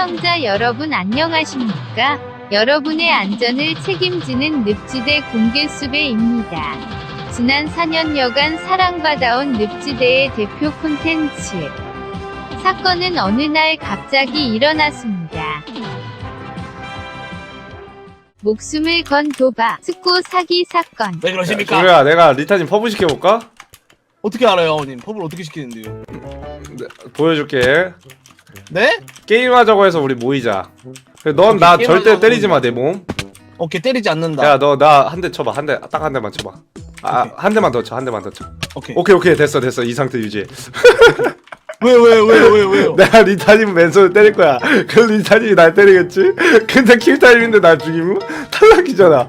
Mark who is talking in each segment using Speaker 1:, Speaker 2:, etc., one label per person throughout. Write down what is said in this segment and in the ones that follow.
Speaker 1: 시청자 여러분 안녕하십니까? 여러분의 안전을 책임지는 늪지대 공개수배입니다. 지난 4년여간 사랑받아온 늪지대의 대표 콘텐츠. 사건은 어느 날 갑자기 일어났습니다. 목숨을 건 도박, 스코 사기 사건.
Speaker 2: 왜 그러십니까?
Speaker 3: 조야, 내가 리타님 퍼블 시켜볼까?
Speaker 2: 어떻게 알아요, 어머님? 펍을 어떻게 시키는데요?
Speaker 3: 보여줄게.
Speaker 2: 네?
Speaker 3: 게임하자고 해서 우리 모이자. 넌 나 절대 때리지 마, 내 몸.
Speaker 2: 오케이, 때리지 않는다.
Speaker 3: 야, 너 나 한 대 쳐봐. 딱 한 대만 쳐봐.
Speaker 2: 오케이.
Speaker 3: 한 대만 더 쳐. 한 대만 더 쳐.
Speaker 2: 오케이.
Speaker 3: 오케이. 됐어. 이 상태 유지해.
Speaker 2: 왜요?
Speaker 3: 내가 리타님 맨손을 때릴 거야. 그럼 리타님이 날 때리겠지? 근데 킬타임인데 날 죽이면 탈락이잖아.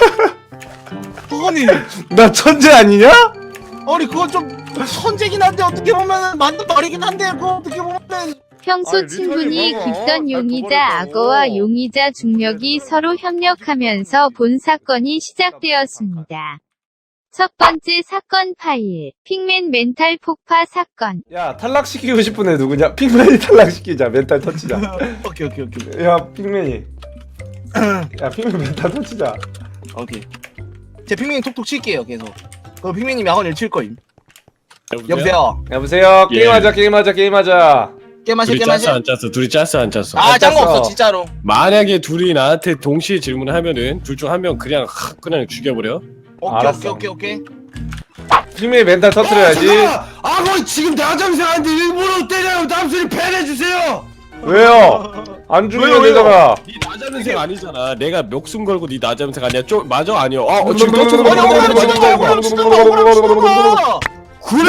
Speaker 2: 아니,
Speaker 3: 나 천재 아니냐?
Speaker 2: 그건 좀 천재긴 한데 어떻게 보면은 맞는 말이긴 한데 그거 어떻게 보면은
Speaker 1: 평소
Speaker 3: 아니,
Speaker 1: 친분이
Speaker 3: 리타님 봐봐.
Speaker 1: 깊던
Speaker 3: 날
Speaker 1: 용의자
Speaker 3: 도발했다고.
Speaker 1: 악어와 용의자 중력이 서로 협력하면서 본 사건이 시작되었습니다. 첫 번째 사건 파일, 핑맨 멘탈 폭파 사건.
Speaker 3: 야, 탈락시키고 싶은 애 누구냐? 핑맨이 탈락시키자. 멘탈 터치자.
Speaker 2: 오케이.
Speaker 3: 야, 핑맨이. 야, 핑맨 멘탈 터치자.
Speaker 2: 오케이. 제 핑맨이 톡톡 칠게요, 계속. 그럼 핑맨님이 학원 1칠 거임. 여보세요?
Speaker 3: 여보세요?
Speaker 4: 예.
Speaker 3: 게임하자.
Speaker 4: 둘이 짰어 안 짰어? 둘이 짰어 안 짰어?
Speaker 2: 아, 짠 거
Speaker 3: 짰어.
Speaker 2: 없어, 진짜로.
Speaker 4: 만약에 둘이 나한테 동시에 질문을 하면은 둘 중 한 명 그냥 죽여버려.
Speaker 3: 알았어.
Speaker 2: 오케이.
Speaker 3: 핑맨이 멘탈 터트려야지.
Speaker 4: 거 지금 나장생한테 일부러 때려요. 남순이 패내주세요.
Speaker 3: 왜요? 안 죽이면
Speaker 2: 왜요?
Speaker 3: 되잖아.
Speaker 4: 네 나장생 아니잖아. 내가 목숨 걸고 네 나장생 아니야. 맞아 아니야.
Speaker 3: 지금
Speaker 4: 지금
Speaker 2: 아니, 억울하면 죽는다.
Speaker 3: 그래!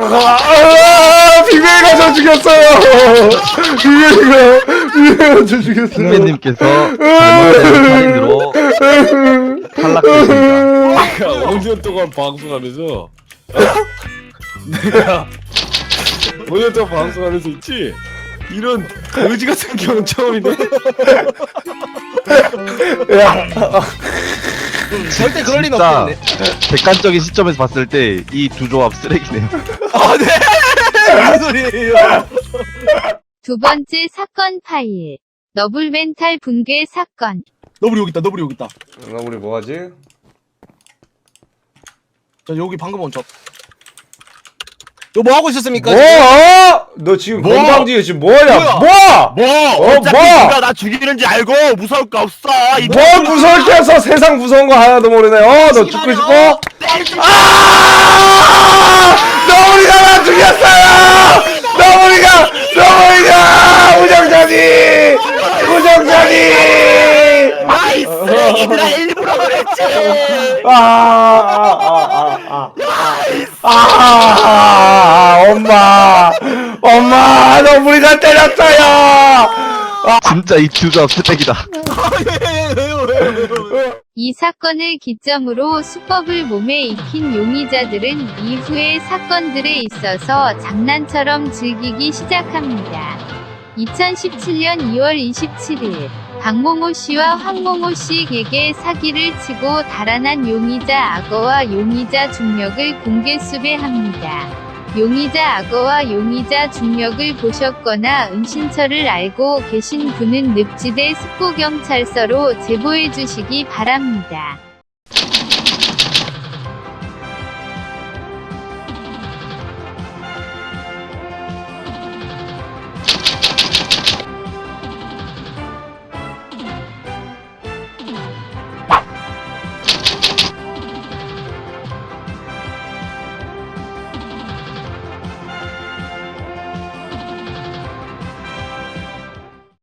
Speaker 3: 핑맨이가 저 죽였어요! 핑맨이가 저 죽였어요.
Speaker 5: 핑맨님께서 잘못된 살인으로 탈락되십니다.
Speaker 4: 내가 5년 동안 방송하면서 내가 5년 동안 방송하면서 있지. 이런 거지 같은 경우는 처음이네.
Speaker 3: 야,
Speaker 2: 절대 그럴 리는
Speaker 5: 진짜
Speaker 2: 없겠네.
Speaker 5: 객관적인 시점에서 봤을 때 이 두 조합 쓰레기네요.
Speaker 2: 아, 네! 무슨 소리예요?
Speaker 1: 두 번째 사건 파일, 너블 멘탈 붕괴 사건.
Speaker 2: 너블이 여기 있다.
Speaker 3: 나 우리 뭐하지?
Speaker 2: 저 여기 방금 온 저. 뭐 하고 있었습니까?
Speaker 3: 뭐? 너 지금
Speaker 4: 뭐?
Speaker 3: 건방지게 지금 뭐하냐?
Speaker 2: 뭐야?
Speaker 3: 어차피
Speaker 6: 네가 나 죽이는지 알고 무서울 거 없어.
Speaker 3: 뭘 무서울게 해서 세상 무서운 거 하나도 모르네. 너 죽고 싶어? 너구리가 나 죽였어요! 너구리가! 우정자니!
Speaker 6: 아이 쓰레기들아 일부러 그랬지.
Speaker 3: 엄마, 너구리가 때렸어요!
Speaker 5: 진짜 이 두 조합 쓰레기다.
Speaker 1: 이 사건을 기점으로 수법을 몸에 익힌 용의자들은 이후의 사건들에 있어서 장난처럼 즐기기 시작합니다. 2017년 2월 27일, 박몽호 씨와 황몽호 씨에게 사기를 치고 달아난 용의자 악어와 용의자 중력을 공개 수배합니다. 용의자 악어와 용의자 중력을 보셨거나 은신처를 알고 계신 분은 늪지대 습고경찰서로 제보해 주시기 바랍니다.